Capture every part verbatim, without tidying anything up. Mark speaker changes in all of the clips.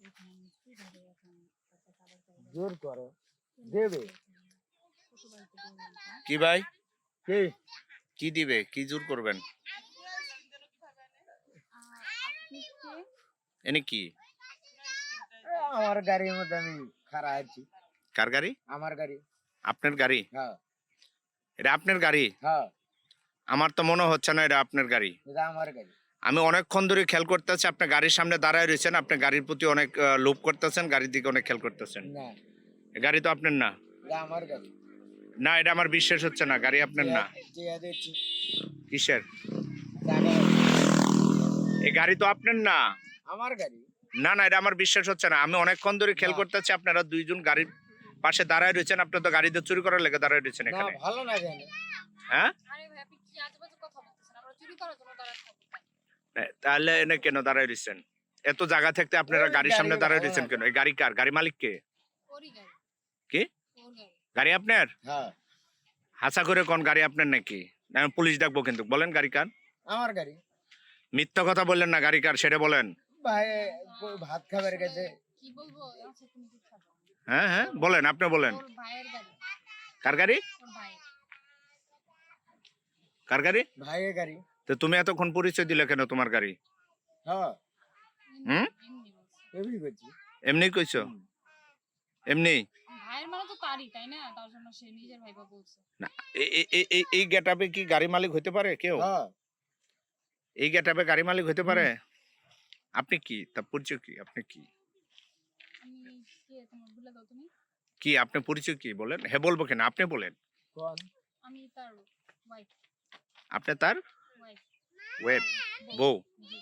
Speaker 1: জোর করো দেবে
Speaker 2: কি ভাই
Speaker 1: কি
Speaker 2: কি দিবে কি জোর করবেন এনে কি
Speaker 1: আমার গাড়ির মধ্যে আমি খাড়া আছি
Speaker 2: কার গাড়ি
Speaker 1: আমার গাড়ি
Speaker 2: আপনার গাড়ি
Speaker 1: হ্যাঁ
Speaker 2: এটা আপনার গাড়ি
Speaker 1: হ্যাঁ
Speaker 2: আমার তো মনে হচ্ছে না এটা আপনার গাড়ি
Speaker 1: এটা আমার গাড়ি
Speaker 2: আমি অনেকক্ষণ ধরে খেয়াল করতেছি আপনার গাড়ির সামনে দাঁড়ায় রয়েছেন আপনার গাড়ির প্রতি অনেক আহ, লোভ করতেছেন গাড়ির দিকে অনেক খেয়াল করতেছেন
Speaker 1: না
Speaker 2: এ গাড়ি তো আপনার না
Speaker 1: এটা আমার গাড়ি
Speaker 2: না এটা আমার বিশ্বাস হচ্ছে না গাড়ি আপনার না
Speaker 1: জিয়া দিচ্ছি
Speaker 2: কিসের
Speaker 1: জায়গা
Speaker 2: এই গাড়ি তো আপনার না
Speaker 1: আমার গাড়ি
Speaker 2: না না এটা আমার বিশ্বাস হচ্ছে না আমি অনেকক্ষণ ধরে খেয়াল
Speaker 1: না।
Speaker 2: করতেছি আপনারা দুইজন গাড়ির পাশে দাঁড়ায় রয়েছেন আপনার তো গাড়িতে চুরি করার লেগে দাঁড়ায় রয়েছেন
Speaker 1: না
Speaker 2: এখানে
Speaker 1: ভালো না জানি
Speaker 2: হ্যাঁ
Speaker 3: আরে ভাই আপনি কি আজেবাজে কথা বলতেছেন? আমরা চুরি করার জন্য দাঁড়ায় থাকবো কেন?
Speaker 2: এ, তাহলে এনে কেন দাঁড়ায় রয়েছেন এত জায়গা থাকতে আপনারা
Speaker 1: ওই
Speaker 2: গাড়ির সামনে
Speaker 1: গাড়ি
Speaker 2: দাঁড়ায়
Speaker 1: ভালো
Speaker 2: রয়েছেন
Speaker 1: লাগে।
Speaker 2: কেন এই গাড়ি কার গাড়ি মালিক কে
Speaker 3: ওরই গাড়ি।
Speaker 2: কি
Speaker 3: ওর গাড়ি।
Speaker 2: গাড়ি আপনার
Speaker 1: হ্যাঁ
Speaker 2: হাসা করে কোন গাড়ি আপনার নাকি না, আমি পুলিশ ডাকবো কিন্তু বলেন গাড়ি কার
Speaker 1: আমার গাড়ি
Speaker 2: মিথ্যা কথা বললেন না গাড়ি কার সেটা বলেন
Speaker 1: ভাই কই ভাত খাবার গেছে
Speaker 3: কি বলবো? আচ্ছা তুমি চুপ থাকো।
Speaker 2: হ্যাঁ হ্যাঁ বলেন আপনি বলেন
Speaker 3: ওর ভাইয়ের গাড়ি।
Speaker 2: কার গাড়ি
Speaker 3: ওর ভাইয়ের।
Speaker 2: কার গাড়ি
Speaker 1: ভাইয়ের গাড়ি
Speaker 2: তো তুমি এতক্ষণ পরিচয় দিলে কেন তোমার গাড়ি
Speaker 1: হ্যাঁ
Speaker 2: হুম
Speaker 3: এমনি বলছি।
Speaker 1: এমনি করছি
Speaker 2: এমনি কইছো
Speaker 1: হুম।
Speaker 2: এমনি
Speaker 3: ভাইয়ের মানে তো তারই তাই না? তার জন্য সে নিজের ভাইবা বলছে।
Speaker 2: না এ- এ- এ- এ- এই গেটআপে কি গাড়ি মালিক হতে পারে কেউ
Speaker 1: হ্যাঁ
Speaker 2: এই গেটআপে গাড়ি মালিক হতে পারে আপনি কি তা পরিচয় কি আপনি কি
Speaker 3: আমি কে তোমার ভুলে দাও তুমি?
Speaker 2: কি আপনি পরিচয় কি বলেন হ্যাঁ বলবো কেন আপনি বলেন
Speaker 1: কোন
Speaker 3: আমি তার ওয়াইফ।
Speaker 2: আপনি তার
Speaker 3: ওয়াইফ।
Speaker 2: ওয়েব বউ
Speaker 3: জি।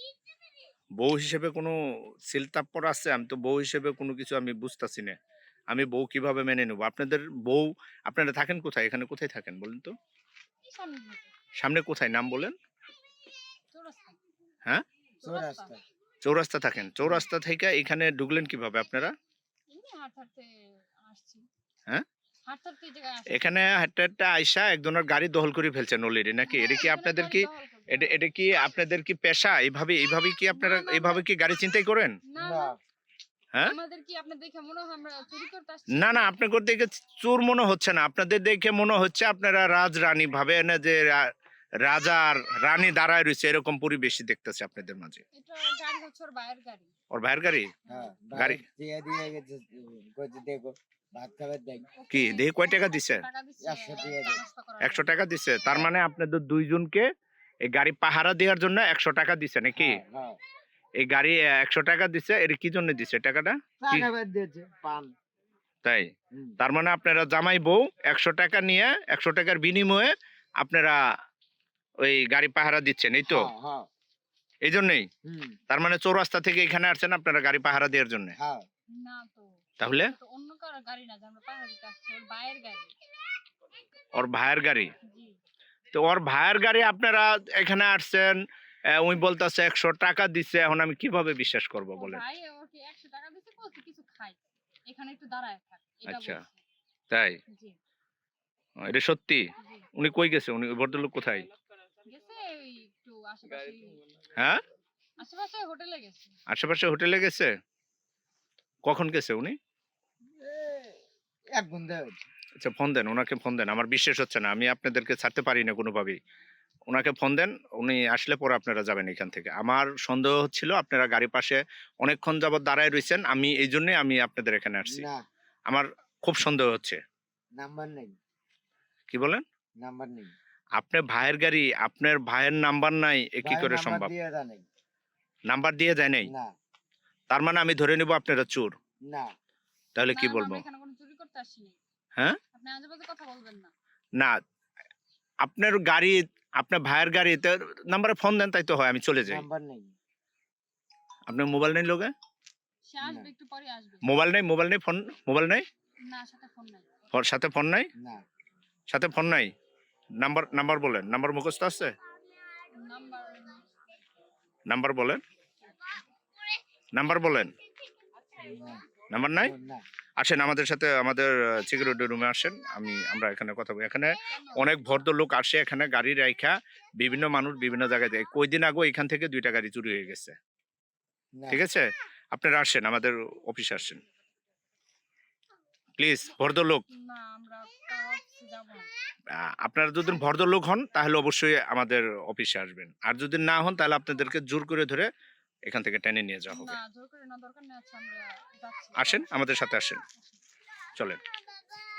Speaker 2: বউ হিসেবে কোনো সিলতাপ্পর আছে আমি তো বউ হিসেবে কোনো কিছু আমি বুঝতাছি না আমি বউ কিভাবে মেনে নেবো আপনাদের বউ আপনারা থাকেন কোথায় এখানে কোথায় থাকেন বলেন তো
Speaker 3: এই সামনে থেকে।
Speaker 2: সামনে কোথায় নাম বলেন
Speaker 3: চৌরাস্তা।
Speaker 2: হ্যাঁ
Speaker 1: চৌরাস্তা
Speaker 2: চৌরাস্তা থাকেন চৌরাস্তা থেকে এখানে ঢুকলেন কিভাবে আপনারা
Speaker 3: এমনি হাঁটতে হাঁটতে আসছি।
Speaker 2: হ্যাঁ?
Speaker 3: হাঁটতে হাঁটতে এই জায়গায় আসছি।
Speaker 2: এখানে হাঁটতে হাঁটতে আইসা একজনের গাড়ি দখল করে ফেলছেন অলরেডি নাকি এটা কি
Speaker 3: হ্যাঁ,
Speaker 2: আপনাদের
Speaker 3: গাড়ি
Speaker 2: কি
Speaker 3: দখল করবে।
Speaker 2: এটা এটা কি আপনাদের কি পেশা এইভাবে এইভাবে কি আপনারা
Speaker 3: না, না,
Speaker 2: এইভাবে কি গাড়ি চিন্তাই করেন
Speaker 3: না
Speaker 1: না
Speaker 3: না
Speaker 2: হ্যাঁ
Speaker 3: আমাদের কি আপনার দেখে মনে হয় আমরা চুরি করতে আসছি?
Speaker 2: না না আপনাদের দেখে চোর মনে হচ্ছে না আপনাদের দেখে মনে হচ্ছে আপনারা রাজরানী ভাবে না যে রা- রাজার রানী দাঁড়ায় রয়েছে এরকম পরিবেশই দেখতেছে আপনাদের মাঝে
Speaker 3: এটা গাড়ি হচ্ছে ওর ভাইয়ের গাড়ি।
Speaker 2: ওর ভাইয়ের গাড়ি
Speaker 1: হ্যাঁ
Speaker 2: গাড়ি।
Speaker 1: গাড়ি দিয়ে দিয়ে গেছে কইতে দেখো ভাত খাবার দেখ
Speaker 3: ওকে
Speaker 2: কি দেখি কয় টাকা দিছে
Speaker 3: টাকা দিচ্ছে
Speaker 1: একশো দিয়ে
Speaker 3: চা
Speaker 1: দেয়।
Speaker 3: নাস্তা করার
Speaker 2: একশো
Speaker 3: জন্য।
Speaker 2: টাকা দিছে তার মানে আপনাদের দুইজনকে এই গাড়ি পাহারা দেওয়ার জন্য একশো টাকা দিছে নাকি
Speaker 1: হ্যাঁ, হ্যাঁ
Speaker 2: এই গাড়ি একশো টাকা দিছে এর কি জন্য দিছে টাকাটা
Speaker 1: চা
Speaker 2: কি?
Speaker 1: খাবার দিয়েছে পান
Speaker 2: তাই
Speaker 1: হুম।
Speaker 2: তার মানে আপনারা জামাই বউ একশো টাকা নিয়ে একশো টাকার বিনিময়ে আপনারা ওই গাড়ি পাহারা দিচ্ছেন এই তো
Speaker 1: হ্যাঁ, হ্যাঁ
Speaker 2: এই জন্যই
Speaker 1: হুম
Speaker 2: তার মানে চৌরাস্তা থেকে এখানে আসছেন আপনারা গাড়ি পাহারা দেওয়ার জন্য
Speaker 1: হ্যাঁ
Speaker 3: না তো
Speaker 2: তাহলে
Speaker 3: এটা তো অন্য কারো গাড়ি না যে আমরা পাহাড় দিতে আসছি ওর ভাইয়ের গাড়ি।
Speaker 2: ওর ভাইয়ের গাড়ি
Speaker 3: জি
Speaker 2: তো ওর ভাইয়ের গাড়ি আপনারা এখানে আসছেন আহ, উনি বলতেছে একশো টাকা দিচ্ছে এখন আমি কিভাবে বিশ্বাস করব
Speaker 3: ওর
Speaker 2: বলেন
Speaker 3: ভাই ওকে একশো টাকা দিতে বলছে কিছু খাই এখানে একটু দাঁড়ায় থাক এটা
Speaker 2: আচ্ছা।
Speaker 3: বলছে।
Speaker 2: তাই
Speaker 3: জি
Speaker 2: ও, এটা সত্যি
Speaker 3: জি
Speaker 2: উনি কই গেছে উনি ওই ভদ্রলোক কোথায়
Speaker 3: গেছে ওই একটু আশেপাশে
Speaker 2: হ্যাঁ
Speaker 3: আশেপাশে হোটেলে গেছে।
Speaker 2: আশেপাশে হোটেলে গেছে কখন গেছে উনি
Speaker 1: এক ঘন্টা
Speaker 2: আচ্ছা ফোন দেন ওনাকে ফোন দেন আমার বিশ্বাস হচ্ছে না আমি আপনাদেরকে ছাড়তে পারি না কোনোভাবেই ওনাকে ফোন দেন উনি আসলে পরে আপনারা যাবেন এখান থেকে আমার সন্দেহ হচ্ছিল আপনারা গাড়ি পাশে অনেকক্ষণ যাবত দাঁড়ায় রয়েছেন আমি এই জন্যই আমি আপনাদের এখানে আসছি
Speaker 1: না
Speaker 2: আমার খুব সন্দেহ হচ্ছে
Speaker 1: নাম্বার নেই
Speaker 2: কি বলেন
Speaker 1: নাম্বার নেই
Speaker 2: আপনার ভাইয়ের গাড়ি আপনার ভাইয়ের নাম্বার নাই এ কি
Speaker 1: ভাই
Speaker 2: করে
Speaker 1: নাম্বার
Speaker 2: সম্ভব
Speaker 1: দিয়ে দেয় নাই
Speaker 2: নাম্বার দিয়ে যায় নাই
Speaker 1: না
Speaker 2: তার মানে আমি ধরে নিব আপনারা চোর
Speaker 1: না
Speaker 2: তাহলে কি
Speaker 3: না,
Speaker 2: বলবো
Speaker 3: আমরা এখানে কোনো চুরি করতে আসিনি।
Speaker 2: হ্যাঁ
Speaker 3: আপনি আজেবাজে কথা বলবেন না।
Speaker 2: না আপনার গাড়ি আপনার ভাইয়ের গাড়িতে নাম্বারে ফোন দেন তাই তো হয় আমি চলে যাই
Speaker 1: নাম্বার নেই
Speaker 2: আপনার মোবাইল নেই লোকে
Speaker 3: সে আসবে একটু পরে আসবে।
Speaker 2: মোবাইল নেই মোবাইল নেই ফোন মোবাইল নেই
Speaker 3: না সাথে ফোন নাই।
Speaker 2: ওর সাথে ফোন নাই
Speaker 1: না
Speaker 2: সাথে ফোন নাই নাম্বার নাম্বার বলেন নাম্বার মুখস্থ আছে
Speaker 3: নাম্বার
Speaker 2: নাম্বার বলেন নাম্বার বলেন
Speaker 1: না,
Speaker 2: নাম্বার নাই
Speaker 1: না
Speaker 2: আসেন আমাদের সাথে আমাদের সিকিউরিটি রুমে আসেন আমি আমরা এখানে কথা বলি এখানে অনেক ভদ্রলোক আসে এখানে গাড়ি রাইখা বিভিন্ন মানুষ বিভিন্ন জায়গায় যায় কই দিন আগে এখান থেকে দুইটা গাড়ি চুরি হয়ে গেছে
Speaker 1: না
Speaker 2: ঠিক আছে আপনারা আসেন, আমাদের অফিসে আসেন প্লিজ, ভদ্রলোক।
Speaker 3: না আমরা কারো অফিসে যাব না।
Speaker 2: আহ, আপনারা যদি ভদ্রলোক হন তাহলে অবশ্যই আমাদের অফিসে আসবেন, আর যদি না হন তাহলে আপনাদেরকে জোর করে ধরে এখান থেকে টেনে নিয়ে যাওয়া হবে।
Speaker 3: না জোর করে না, দরকার নেই। আচ্ছা আমরা যাচ্ছি।
Speaker 2: আসেন, আমাদের সাথে আসেন, চলেন।